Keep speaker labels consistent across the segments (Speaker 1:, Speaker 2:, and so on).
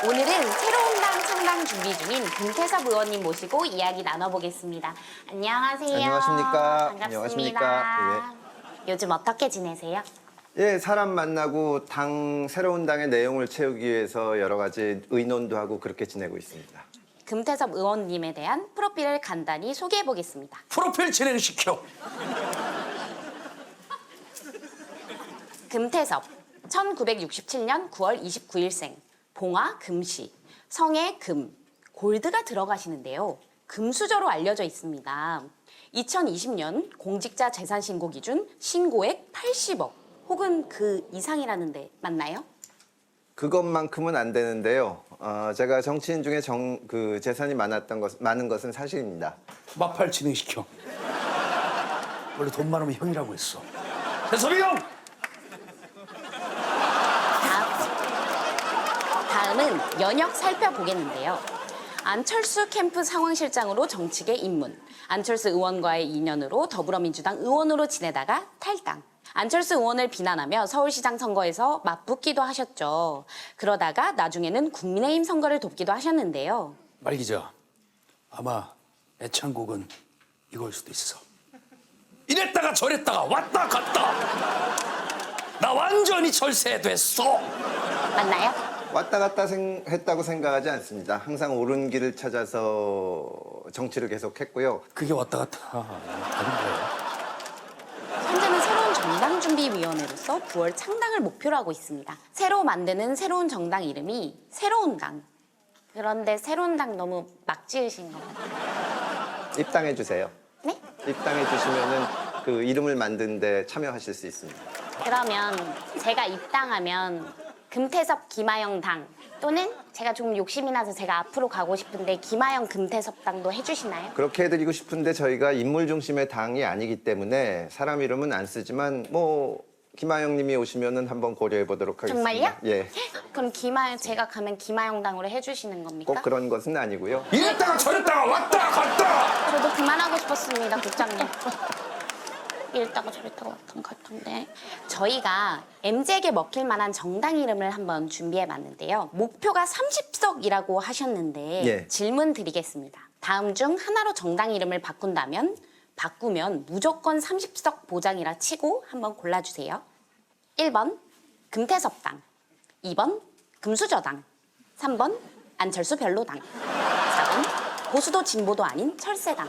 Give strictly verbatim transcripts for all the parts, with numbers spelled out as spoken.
Speaker 1: 오늘은 새로운 당 창당 준비 중인 금태섭 의원님 모시고 이야기 나눠보겠습니다. 안녕하세요.
Speaker 2: 안녕하십니까.
Speaker 1: 반갑습니다.
Speaker 2: 안녕하십니까.
Speaker 1: 요즘 어떻게 지내세요?
Speaker 2: 예, 사람 만나고 당 새로운 당의 내용을 채우기 위해서 여러 가지 의논도 하고 그렇게 지내고 있습니다.
Speaker 1: 금태섭 의원님에 대한 프로필을 간단히 소개해보겠습니다.
Speaker 3: 프로필 진행시켜.
Speaker 1: 금태섭, 천구백육십칠 년 구월 이십구일생, 봉화 금시, 성에 금, 골드가 들어가시는데요. 금수저로 알려져 있습니다. 이천이십 년 공직자 재산 신고 기준 신고액 팔십억 혹은 그 이상이라는데 맞나요?
Speaker 2: 그것만큼은 안 되는데요. 어, 제가 정치인 중에 정, 그 재산이 많았던 것, 많은 것은 사실입니다.
Speaker 3: 마팔 진행시켜. 원래 돈 많으면 형이라고 했어. 대섭이 형!
Speaker 1: 다음은 연역 살펴보겠는데요. 안철수 캠프 상황실장으로 정치계 입문, 안철수 의원과의 인연으로 더불어민주당 의원으로 지내다가 탈당. 안철수 의원을 비난하며 서울시장 선거에서 맞붙기도 하셨죠. 그러다가 나중에는 국민의힘 선거를 돕기도 하셨는데요.
Speaker 3: 말 기자, 아마 애창곡은 이걸 수도 있어. 이랬다가 저랬다가 왔다 갔다. 나 완전히 철새됐어.
Speaker 1: 맞나요?
Speaker 2: 왔다 갔다 생, 했다고 생각하지 않습니다. 항상 옳은 길을 찾아서 정치를 계속했고요.
Speaker 3: 그게 왔다 갔다 아닌 거예요.
Speaker 1: 현재는 새로운 정당준비위원회로서 구월 창당을 목표로 하고 있습니다. 새로 만드는 새로운 정당 이름이 새로운 당. 그런데 새로운 당 너무 막 지으신 것 같아요.
Speaker 2: 입당해 주세요.
Speaker 1: 네?
Speaker 2: 입당해 주시면은 그 이름을 만드는데 참여하실 수 있습니다.
Speaker 1: 그러면 제가 입당하면 금태섭 김하영 당 또는 제가 좀 욕심이 나서 제가 앞으로 가고 싶은데 김하영 금태섭 당도 해주시나요?
Speaker 2: 그렇게 해드리고 싶은데 저희가 인물 중심의 당이 아니기 때문에 사람 이름은 안 쓰지만 뭐 김하영 님이 오시면은 한번 고려해 보도록 하겠습니다.
Speaker 1: 정말요?
Speaker 2: 예.
Speaker 1: 그럼 김하영 제가 가면 김하영 당으로 해주시는 겁니까?
Speaker 2: 꼭 그런 것은 아니고요.
Speaker 3: 이랬다가 저랬다가 왔다 갔다.
Speaker 1: 저도 그만하고 싶었습니다, 국장님. 이랬다가 저랬다가 왔던 것 같은데 저희가 엠지에게 먹힐 만한 정당 이름을 한번 준비해봤는데요. 목표가 삼십석이라고 하셨는데
Speaker 2: 예.
Speaker 1: 질문 드리겠습니다. 다음 중 하나로 정당 이름을 바꾼다면 바꾸면 무조건 삼십석 보장이라 치고 한번 골라주세요. 일 번 금태섭당, 이 번 금수저당, 삼 번 안철수 별로당, 사 번 보수도 진보도 아닌 철새당.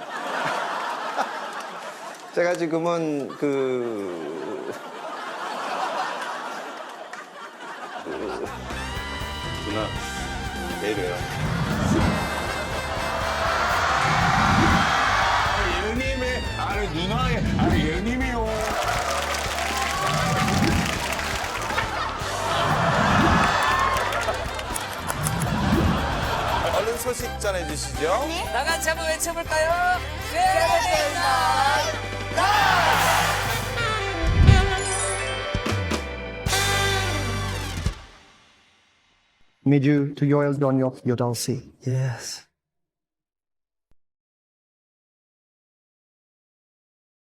Speaker 2: 제가 지금은 그...
Speaker 4: 누나 내려요.
Speaker 5: 예님의 아니 누나의 아니 예님이요. 얼른 소식 전해주시죠.
Speaker 6: 다 같이 한번 외쳐볼까요? 세븐데이나잇
Speaker 7: Mid you to Yoel Donyof Yodalsi.
Speaker 3: Yes.